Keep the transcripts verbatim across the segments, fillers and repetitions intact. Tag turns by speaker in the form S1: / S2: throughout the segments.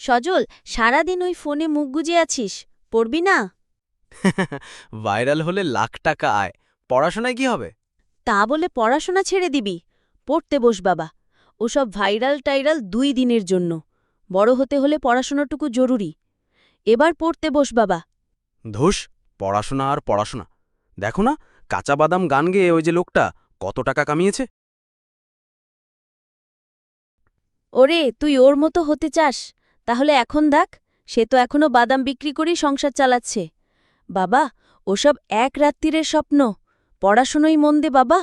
S1: সজল, সারাদিন ওই ফোনে মুখ গুজে আছিস, পড়বি না?
S2: ভাইরাল হলে লাখ টাকা আয়, পড়াশোনায় কি হবে?
S1: তা বলে পড়াশোনা ছেড়ে দিবি? পড়তে বস বাবা। ওসব ভাইরাল টাইরাল দুই দিনের জন্য। বড় হতে হলে পড়াশোনাটুকু জরুরি। এবার পড়তে বস বাবা।
S2: ধুস, পড়াশোনা আর পড়াশোনা। দেখো না, কাঁচা বাদাম গান গেয়ে ওই যে লোকটা কত টাকা কামিয়েছে।
S1: ওরে, তুই ওর মতো হতে চাস? তাহলে এখন দেখ, সে তো এখনো বাদাম বিক্রি করেই সংসার চালাচ্ছে। বাবা, ওসব এক রাত্রিরের স্বপ্ন। পড়াশোনাই মন দে বাবা।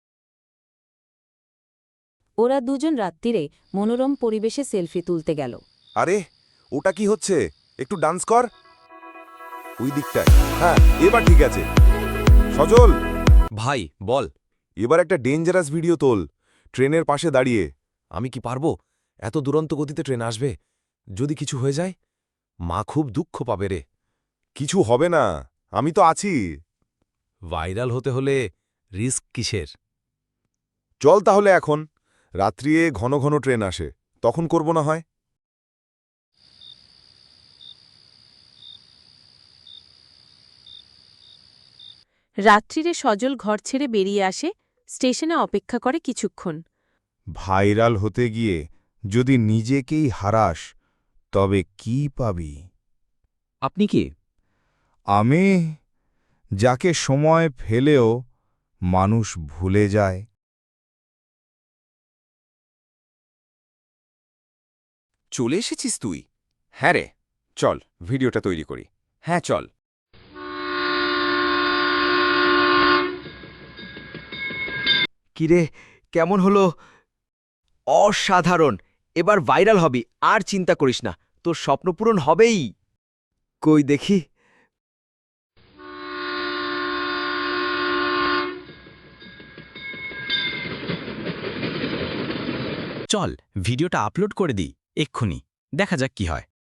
S3: ওরা দুজন রাত্রিরে মনোরম পরিবেশে সেলফি তুলতে গেল।
S4: আরে ওটা কি হচ্ছে? একটু ডান্স কর ওই দিকটায়। হ্যাঁ, এবার ঠিক আছে। সজল
S5: ভাই বল।
S4: এবার একটা ডেঞ্জারাস ভিডিও তোল, ট্রেনের পাশে দাঁড়িয়ে।
S5: আমি কি পারবো? এত দুরন্ত গতিতে ট্রেন আসবে, যদি কিছু হয়ে যায় মা খুব দুঃখ পাবে রে।
S4: কিছু হবে না, আমি তো আছি।
S5: ভাইরাল হতে হলে রিস্ক কিসের?
S4: চল তাহলে এখন, রাত্রিয়ে ঘন ঘন ট্রেন আসে, তখন করব না হয়।
S3: রাত্রিরে সজল ঘর ছেড়ে বেরিয়ে আসে, স্টেশনে অপেক্ষা করে কিছুক্ষণ।
S4: ভাইরাল হতে গিয়ে যদি নিজেকেই হারাস, তবে কি পাবি?
S5: আপনি কি?
S4: আমি, যাকে সময় ফেলেও মানুষ ভুলে যায়।
S6: চলে এসেছিস তুই? হ্যাঁ রে, চল ভিডিওটা তৈরি করি। হ্যাঁ চল।
S7: কিরে, কেমন হলো? অসাধারণ! এবার ভাইরাল হবি, আর চিন্তা করিস না, তোর স্বপ্ন পূরণ হবেই। কই দেখি।
S2: চল ভিডিওটা আপলোড করে দিই এক্ষুনি, দেখা যাক কি হয়।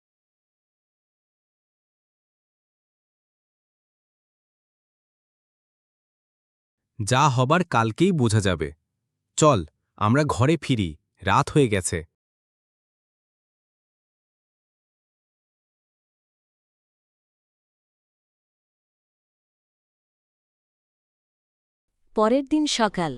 S2: যা হবার কালকেই বোঝা যাবে। চল আমরা ঘরে ফিরি, রাত হয়ে গেছে।
S3: পরের দিন সকাল।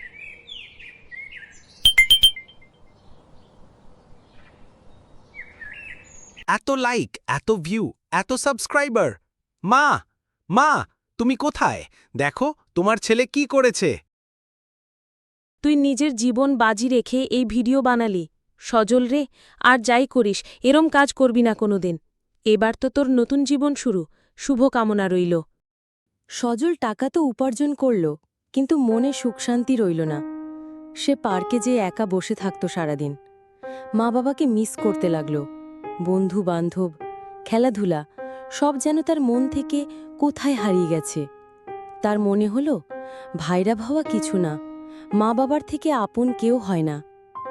S2: এত লাইক, এত ভিউ, এত সাবস্ক্রাইবার। মা, মা, তুমি কোথায়? দেখো তোমার ছেলে কি করেছে।
S3: তুই নিজের জীবন বাজি রেখে এই ভিডিও বানালি। সজল রে, আর যাই করিস এরম কাজ করবি না কোনোদিন। এবার তো তোর নতুন জীবন শুরু, শুভ কামনা রইল। সজল টাকা তো উপার্জন করল, কিন্তু মনে সুখশান্তি রইল না। সে পার্কে যেয়ে একা বসে থাকত সারাদিন। মা বাবাকে মিস করতে লাগল। বন্ধু বান্ধব, খেলাধুলা, সব যেন তার মন থেকে কোথায় হারিয়ে গেছে। তার মনে হল ভাইরা ভাবা কিছু না, মা বাবার থেকে আপন কেউ হয় না।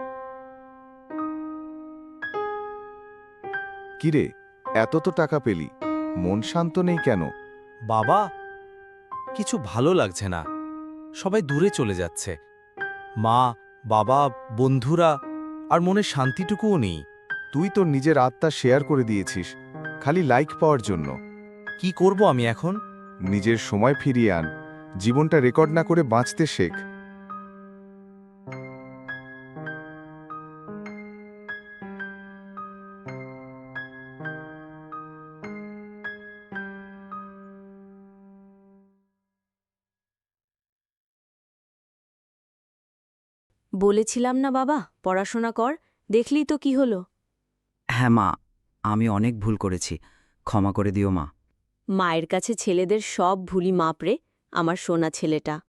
S4: কিরে, এত তো টাকা পেলি, মন শান্ত নেই কেন?
S2: বাবা, কিছু ভালো লাগছে না, সবাই দূরে চলে যাচ্ছে। মা, বাবা, বন্ধুরা, আর মনে শান্তিটুকুও নেই।
S4: তুই তোর নিজের আত্মা শেয়ার করে দিয়েছিস, খালি লাইক পাওয়ার জন্য।
S2: কি করব আমি এখন?
S4: নিজের সময় ফিরিয়ে আন, জীবনটা রেকর্ড না করে বাঁচতে শেখ।
S3: বলেছিলাম না বাবা, পড়াশোনা কর, দেখলি তো কি হলো।
S8: হ্যাঁ মা, আমি অনেক ভুল করেছি, ক্ষমা করে দিও মা।
S3: মায়ের কাছে ছেলেদের সব ভুলি মাপরে, আমার সোনা ছেলেটা।